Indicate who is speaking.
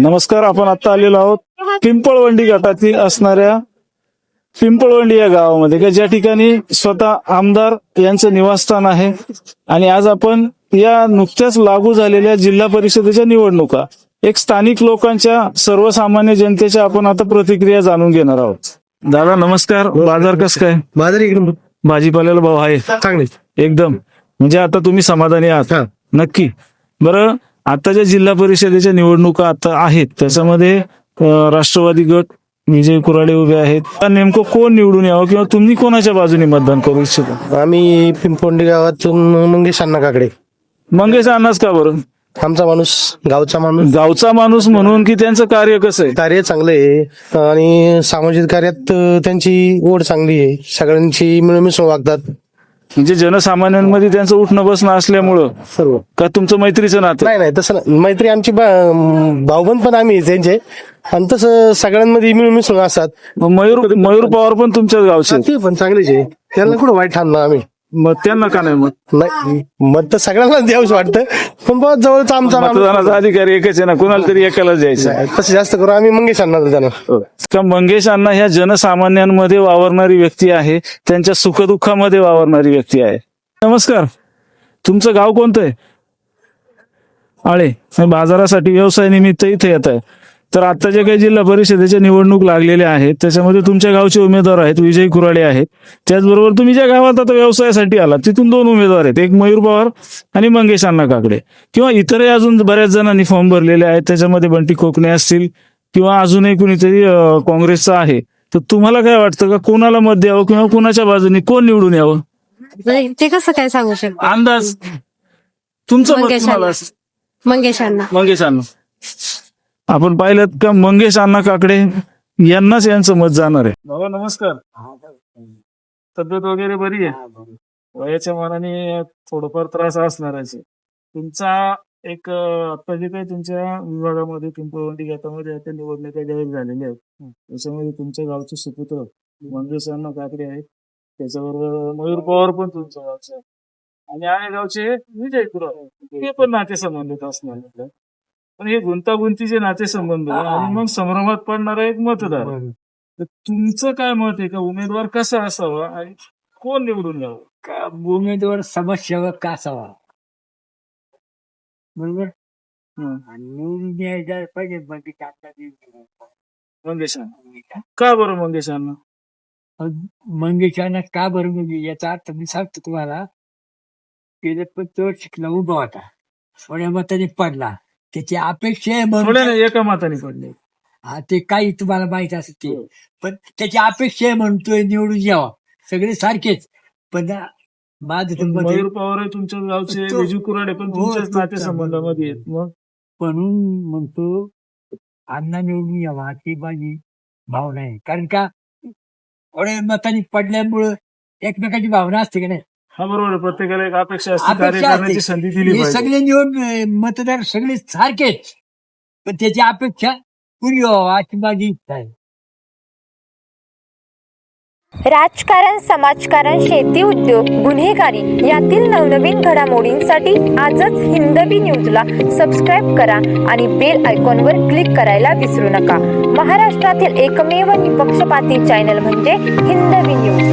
Speaker 1: नमस्कार. आपण आता आलेलो आहोत पिंपळवंडी गटातील असणाऱ्या पिंपळवंडी या गावामध्ये का ज्या ठिकाणी स्वतः आमदार यांचं निवासस्थान आहे. आणि आज आपण या नुकत्याच लागू झालेल्या जिल्हा परिषदेच्या निवडणुका एक स्थानिक लोकांच्या सर्वसामान्य जनतेच्या आपण आता प्रतिक्रिया जाणून घेणार आहोत. दादा नमस्कार. बाजार कस काय?
Speaker 2: बाजार एकदम
Speaker 1: भाजीपाल्याला भाव आहे
Speaker 2: चांगले
Speaker 1: एकदम, म्हणजे आता तुम्ही समाधानी आहात? नक्की. बरं, आता ज्या जिल्हा परिषदेच्या निवडणुका आता आहेत त्याच्यामध्ये राष्ट्रवादी गट विजय कुराडे उभे आहेत. नेमकं कोण निवडून यावं किंवा तुम्ही कोणाच्या बाजूने मतदान करू इच्छिता?
Speaker 2: आम्ही पिंपोंडी गावातून मंगेश अण्णा काकडे.
Speaker 1: मंगेश अण्णाच का बरं?
Speaker 2: आमचा माणूस, गावचा
Speaker 1: माणूस म्हणून की त्यांचं कार्य कसं आहे?
Speaker 2: कार्य चांगलं आहे आणि सामाजिक कार्यात त्यांची ओढ चांगली आहे. सगळ्यांची मिळून वागतात.
Speaker 1: म्हणजे जनसामान्यांमध्ये त्यांचं उठणं बसणं असल्यामुळं
Speaker 2: सर्व.
Speaker 1: का तुमचं मैत्रीचं नातं?
Speaker 2: नाही तसं नाही. मैत्री आमची भाऊबंद पण आम्ही त्यांचे आणि तसं सगळ्यांमध्ये मिळून मिसळून असतात.
Speaker 1: मयूर पवार पण तुमच्याच गावचे आहेत.
Speaker 2: ते पण चांगलेच आहे. त्यांना कुठं वाईट ठाणलं आम्ही.
Speaker 1: मग त्यांना का नाही? मग
Speaker 2: नाही मत तर सगळ्यांना द्यावंच वाटतं, पण बहुत जवळचा आमचा
Speaker 1: मतदानाचा अधिकार एकच आहे ना, कुणाला तरी एकालाच द्यायचं.
Speaker 2: तसं जास्त करून आम्ही मंगेश अण्णा देणार.
Speaker 1: का मंगेश अण्णा ह्या जनसामान्यांमध्ये वावरणारी व्यक्ती आहे, त्यांच्या सुखदुःखामध्ये वावरणारी व्यक्ती आहे. नमस्कार. तुमचं गाव कोणतं आहे? आळे. बाजारासाठी व्यवसाय निमित्त इथे येत आहे. तर आता जे काही जिल्हा परिषदेच्या निवडणूक लागलेल्या आहेत त्याच्यामध्ये तुमच्या गावचे उमेदवार आहेत, विजय कुराडे आहेत. त्याचबरोबर तुम्ही ज्या गावात आता व्यवसायासाठी आला तिथून 2 उमेदवार आहेत, एक मयूर पवार आणि मंगेश अण्णा काकडे. किंवा इतरही अजून बऱ्याच जणांनी फॉर्म भरलेले आहेत, त्याच्यामध्ये बंटी कोकणे असतील किंवा अजूनही कुणीतरी काँग्रेसचा आहे. तर तुम्हाला काय वाटतं का कोणाला मत द्यावं किंवा कोणाच्या बाजूने कोण निवडून यावं?
Speaker 3: ते कसं काय सांगू शकतो?
Speaker 1: अंदाज तुमचं मत कोणाला असेल?
Speaker 3: मंगेश
Speaker 1: अण्णा. आपण पाहिलं का मंगेश अण्णा काकडे यांनाच यांचं मत जाणार आहे. बाबा नमस्कार. तब्येत वगैरे बरी आहे? वयाच्या मानाने थोडंफार त्रास असणारच आहे. तुमचा एक आता जे काही तुमच्या विभागामध्ये पिंपळवंडी गटामध्ये आता निवडणुका जाहीर झालेल्या आहेत त्याच्यामध्ये तुमच्या गावचे सुपुत्र मंगेश अण्णा काकडे आहेत. त्याच्याबरोबर मयूर पवार पण तुमच्या गावचे आहे आणि आहे गावचे विजय कुराडे, ते पण नातेसंबंधित असणार. पण हे गुंतागुंतीचे नातेसंबंध आणि मग संभ्रमात पडणारा एक मतदार. तर तुमचं काय मत आहे का उमेदवार कसा असावा आणि कोण निवडून यावं?
Speaker 4: का उमेदवार समाजसेवक का असावा, बरोबर. आणि निवडून द्यायला पाहिजे
Speaker 1: मंगेश अण्णा. का बरं मंगेश अण्णा?
Speaker 4: मंगेशांना का बरं म्हणजे याचा अर्थ मी सांगतो तुम्हाला. गेले पण तो शिकला उभा होता, थोड्या मताने पडला. त्याची अपेक्षा आहे म्हणून
Speaker 1: एका मताने पडले.
Speaker 4: हा ते काही तुम्हाला माहित असेल ते, पण त्याची अपेक्षा आहे म्हणतोय निवडून यावा. सगळे सारखेच, पण माझं
Speaker 1: मयूर पवार आहे तुमच्या गावचे, विजय कुराडे पण तुमच्याच नातेसंबंधामध्ये आहेत. मग
Speaker 4: म्हणून म्हणतो अण्णा निवडून यावा ही माझी भावना आहे. कारण का थोड्या मताने पडल्यामुळं एकमेकाची भावना असते की नाही.
Speaker 1: हा बरोबर. प्रत्येकाला एक अपेक्षा असते, कार्य करण्याची संधी दिली पाहिजे.
Speaker 4: सगळे निवडून मतदार सगळे सारखेच, पण त्याची अपेक्षा पुरी व्हावा अशी माझी इच्छा आहे.
Speaker 5: राजकारण, समाजकारण, शेती, उद्योग, गुन्हेगारी यातील नवनवीन घडामोडींसाठी आजच हिंदवी न्यूजला सबस्क्राईब करा आणि बेल आयकॉनवर क्लिक करायला विसरू नका. महाराष्ट्रातील एकमेव निपक्षपाती चॅनल म्हणजे हिंदवी न्यूज.